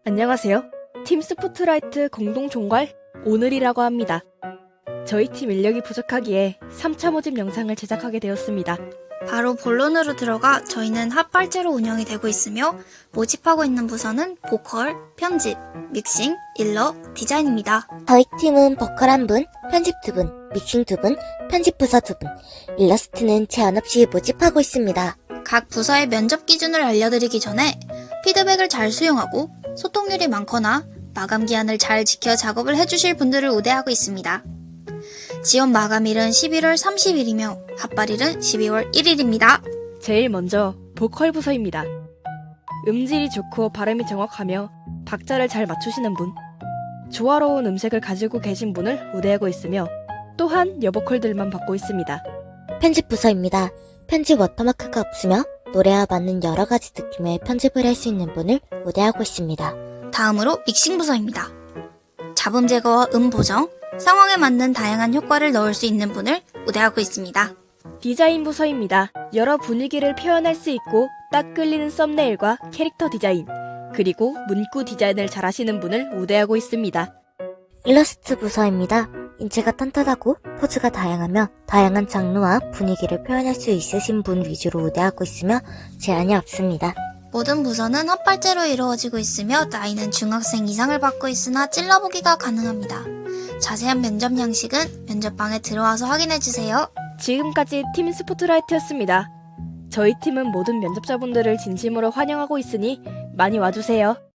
안녕하세요. 팀 스포트라이트 공동 총괄 오늘이라고 합니다. 저희 팀 인력이 부족하기에 3차 모집 영상을 제작하게 되었습니다. 바로 본론으로 들어가 저희는 핫발제로 운영이 되고 있으며 모집하고 있는 부서는 보컬, 편집, 믹싱, 일러, 디자인입니다. 저희 팀은 보컬 1분, 편집 2분, 믹싱 2분, 편집 부서 2분, 일러스트는 제한 없이 모집하고 있습니다. 각 부서의 면접 기준을 알려드리기 전에 피드백을 잘 수용하고 소통률이 많거나 마감 기한을 잘 지켜 작업을 해주실 분들을 우대하고 있습니다. 지원 마감일은 11월 30일이며 핫발일은 12월 1일입니다. 제일 먼저 보컬 부서입니다. 음질이 좋고 발음이 정확하며 박자를 잘 맞추시는 분, 조화로운 음색을 가지고 계신 분을 우대하고 있으며 또한 여보컬들만 받고 있습니다. 편집 부서입니다. 편집 워터마크가 없으며 노래와 맞는 여러 가지 느낌의 편집을 할 수 있는 분을 우대하고 있습니다. 다음으로 믹싱 부서입니다. 잡음 제거와 음 보정, 상황에 맞는 다양한 효과를 넣을 수 있는 분을 우대하고 있습니다. 디자인 부서입니다. 여러 분위기를 표현할 수 있고 딱 끌리는 썸네일과 캐릭터 디자인, 그리고 문구 디자인을 잘하시는 분을 우대하고 있습니다. 일러스트 부서입니다. 인체가 탄탄하고 포즈가 다양하며 다양한 장르와 분위기를 표현할 수 있으신 분 위주로 우대하고 있으며 제한이 없습니다. 모든 부서는 핫발제로 이루어지고 있으며 나이는 중학생 이상을 받고 있으나 찔러보기가 가능합니다. 자세한 면접 양식은 면접방에 들어와서 확인해주세요. 지금까지 팀 스포트라이트였습니다. 저희 팀은 모든 면접자분들을 진심으로 환영하고 있으니 많이 와주세요.